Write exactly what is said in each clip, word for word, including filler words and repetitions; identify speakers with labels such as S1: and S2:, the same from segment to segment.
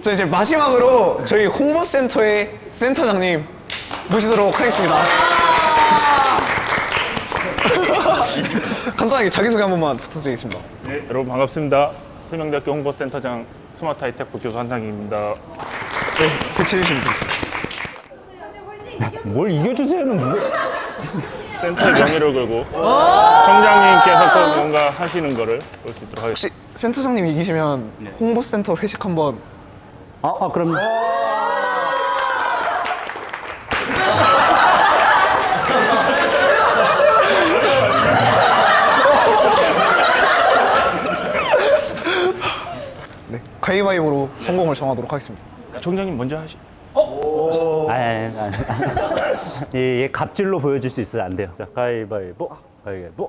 S1: 자, 이제 마지막으로 저희 홍보센터의 센터장님 모시도록 하겠습니다. 간단하게 자기소개 한 번만 부탁드리겠습니다.
S2: 네, 여러분 반갑습니다. 세명대학교 홍보센터장 스마트 하이테크 교수 한상기입니다.
S1: 네, 배치해주시면 되겠습니다.
S2: 뭘 이겨주세요는 뭐? 센터의 명예를 걸고 청장님께서 또 뭔가 하시는 거를 볼 수 있도록 하겠습니다.
S1: 혹시 센터장님 이기시면
S2: 네.
S1: 홍보센터 회식 한번.
S3: 아, 아 그럼
S1: 네, 가위바위보로 성공을 정하도록 하겠습니다.
S2: 청장님 먼저 하시.
S3: 아니 아니 아니 예, 예, 갑질로 보여줄 수 있어요. 안 돼요. 자, 가위바위보, 가위바위보.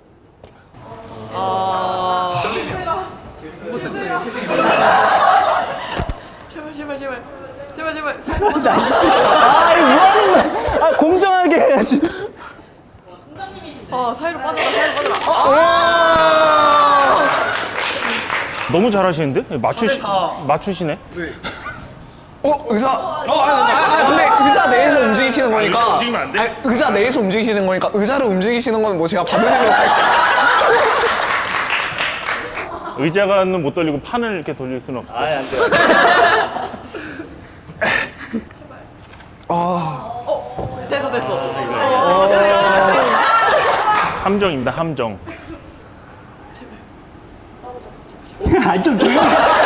S4: 제발 제발 제발 제발 제발 사이로 빠져.
S3: 아이 뭐 하는 거야? 아, 공정하게 해야지.
S4: 어 사이로 빠져라 사이로 빠져라.
S2: 너무 잘하시는데? 맞추시, 맞추시네?
S1: 어, 의자. 아, 아, 근데 의자 내에서 움직이시는 거니까.
S2: 의자 움직이면 안 돼?
S1: 아니, 의자 내에서 움직이시는 거니까 의자를 움직이시는 건 뭐 제가 받아내도록 하겠습니다.
S2: 의자가는 못 돌리고 판을 이렇게 돌릴 수는 없고.
S3: 아니 안 돼요.
S1: 아,
S4: 됐어 됐어. 어, 됐어.
S2: 함정입니다, 함정.
S3: 아좀 조용히.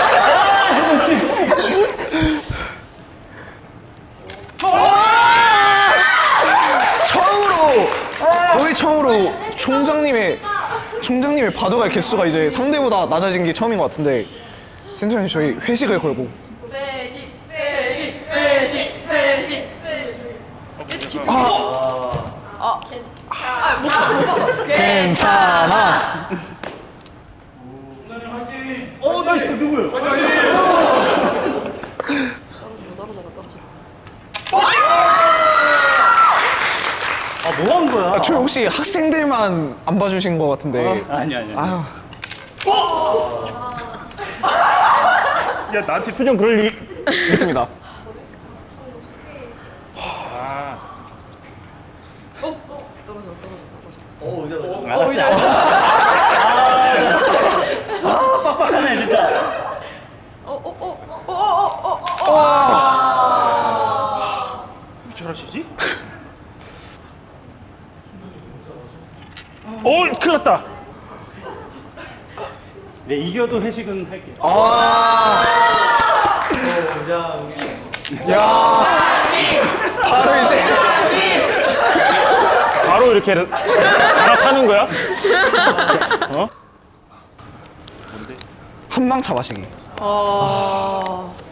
S1: 처음으로 거의 처음으로 총장님의 총장님의 바둑알 개수가 이제 상대보다 낮아진 게 처음인 것 같은데 센터장님 저희 회식을 걸고.
S4: 회식 회식 회식 회식 회식.
S1: 아,
S4: 아못 봤어 못 봤어.
S1: 괜찮아.
S2: 어, 나이스, 누구요?
S4: 떨어져라 떨어져라 떨어져.
S3: 아, 뭐 한 거야?
S1: 아, 저 혹시 학생들만 안 봐주신 것 같은데.
S3: 아니 아니. 아니.
S1: 아유,
S2: 야, 나한테 표정 그럴 리.
S1: 있습니다.
S2: 아,
S4: 어 떨어져 떨어져 떨어져.
S3: 알았어. 아, 빡빡하네 진짜.
S4: 어어어어어어.
S2: 왜 저러시지? 오, 큰일 났다.
S3: 네, 이겨도 회식은 할게요.
S1: 아, 야, 바로 이제
S2: 바로 이렇게 갈아타는 거야? 어?
S1: 한망차 마시기.
S4: 아.